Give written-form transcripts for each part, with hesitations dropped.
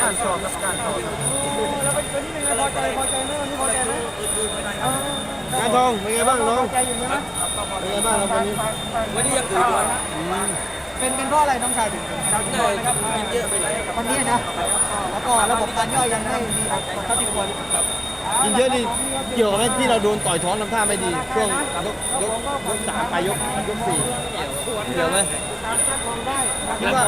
การสอบครับการสอบแล้วเป็นนี่เป็นไงพอใจไหมวันนี้พอใจไหมการทองเป็นไงบ้างน้องพอใจอยู่ไหมเป็นไงบ้างครับวันนี้วันนี้ยังอืดอยู่เป็นเพราะอะไรน้องชายถึงได้ครับกินเยอะไปหน่อยวันนี้นะแล้วก็ระบบการย่อยยังไม่ดีเท่าที่ควรกินเยอะนี่เกี่ยวกับที่เราโดนต่อยท้องทำท่าไม่ดีช่วงยกสามไปยกสี่เกี่ยวไหมคิดว่า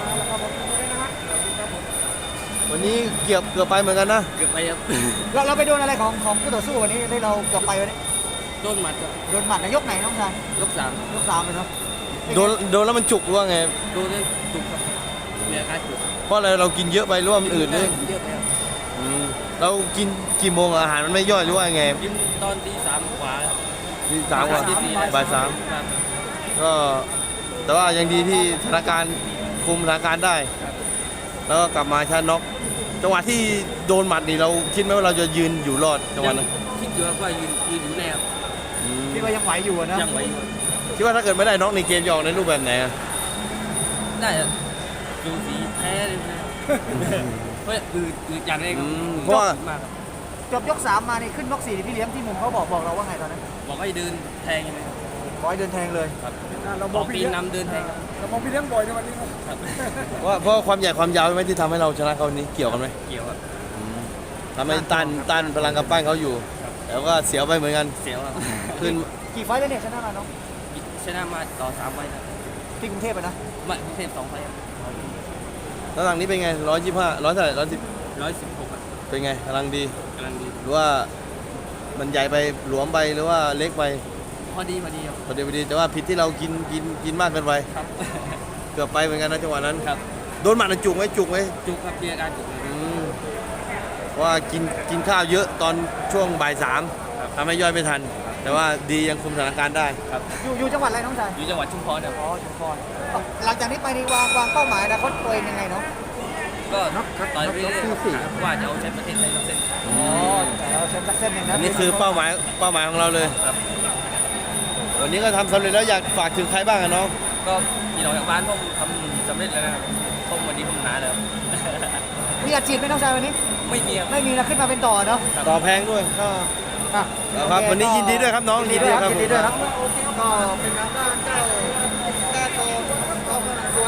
วันนี้เกือบไปเหมือนกันนะเกือบไปครับเราไปโดนอะไรของคู่ต่อสู้วันนี้ได้เราเกือบไปวันนี้โดนหมัดครับโดนหมัดนะยกไหนน้องชายยกสามยก3เลยเนาะโดนแล้วมันจุกหรือว่าไงโดนเลยจุกครับมีอาการจุกเพราะอะไรเรากินเยอะไปหรือว่ามันอืดเลยเยอะไปครับเรากินกี่โมงอาหารมันไม่ย่อยหรือว่าไงกินตอนตีสามกว่าครับที่สามกว่าตีสี่บ่ายสามครับก็แต่ว่ายังดีที่สถานการณ์คุมสถานการณ์ได้ แล้วก็กลับมาชนะน็อกจังหวะที่โดนหมัดนี่เราคิดไหมว่าเราจะยืนอยู่รอดจังหวะนั้นคิดอยู่ว่ายืนอยู่แน่ครับคิดว่ายังไหวอยู่นะยังไหวอยู่คิดว่าถ้าเกิดไม่ได้น็อกในเกมจะออกในรูปแบบไหนอะได้อะดูสีแพ้เลยนะเพราะอืดอย่างไรครับเพราะว่ามากครับจบยก3มานี่ขึ้นยก4พี่เลี้ยงที่มุมเขาบอกเราว่าไงตอนนั้นบอกให้เดินแทงยังไงครับบอยเดินแทงเลยครับเราออกปีนนำเดินแทงครับเรามองพี่เลี้ยงบ่อยในวันนี้ครับเพราะความใหญ่ความยาวใช่ไหมที่ทำให้เราชนะเขาวันนี้เกี่ยวกันไหมเกี่ยวครับทำให้ต้านพลังกำปั้นเขาอยู่แล้วก็เสียวไปเหมือนกันเสียวครับขึ้นกี่ไฟล์แล้วเนี่ยชนะมาน้องชนะมาต่อ3ไฟครับที่กรุงเทพอะนะไม่กรุงเทพ2ไฟครับแล้วหลังนี้เป็นไง125เท่าไหร่110 116ครับเป็นไงกำลังดีกำลังดีหรือว่ามันใหญ่ไปหลวมไปหรือว่าเล็กไปพอดีครับพอดีแต่ว่าผิดที่เรากินมากเกินไปครับเกือบไปเหมือนกันนะจังหวะนั้นครับโดนหมัดน่ะจุกไหมจุกครับมีอาการจุกเลยเพราะว่ากินข้าวเยอะตอนช่วงบ่าย3ทำให้ย่อยไม่ทัน แต่ว่าดียังคุมสถานการณ์ได้ครับอยู่จังหวัดอะไรน้องชายอยู่จังหวัดชุมพรครับอ๋อชุมพรหลังจากนี้ไปนี่วางเป้าหมายอนาคตตัวเองยังไงเนาะก็ต่อยไปเรื่อยๆว่าจะเอาแชมป์ประเทศไทยทั้งเส้นอ๋อแต่เราแชมป์สักเส้นหนึ่งนะอันนี้คือเป้าหมายของเราเลยครับวันนี้ก็ทำสำเร็จแล้วอยากฝากถึงใครบ้างอะน้องก็พี่น้องจากบ้านผมทำสำเร็จแล้วนะครับผมวันนี้ผมหนาแล้วมีอาชีพไหมน้องชายวันนี้ไม่มีครับไม่มีนะขึ้นมาเป็นต่อเนาะต่อแพงด้วยก็อ่ะครับโอเควันนี้ยินดีด้วยครับน้องยินดีด้วยครับผมยินดีด้วยครับก็เป็นทางด้านเจ้า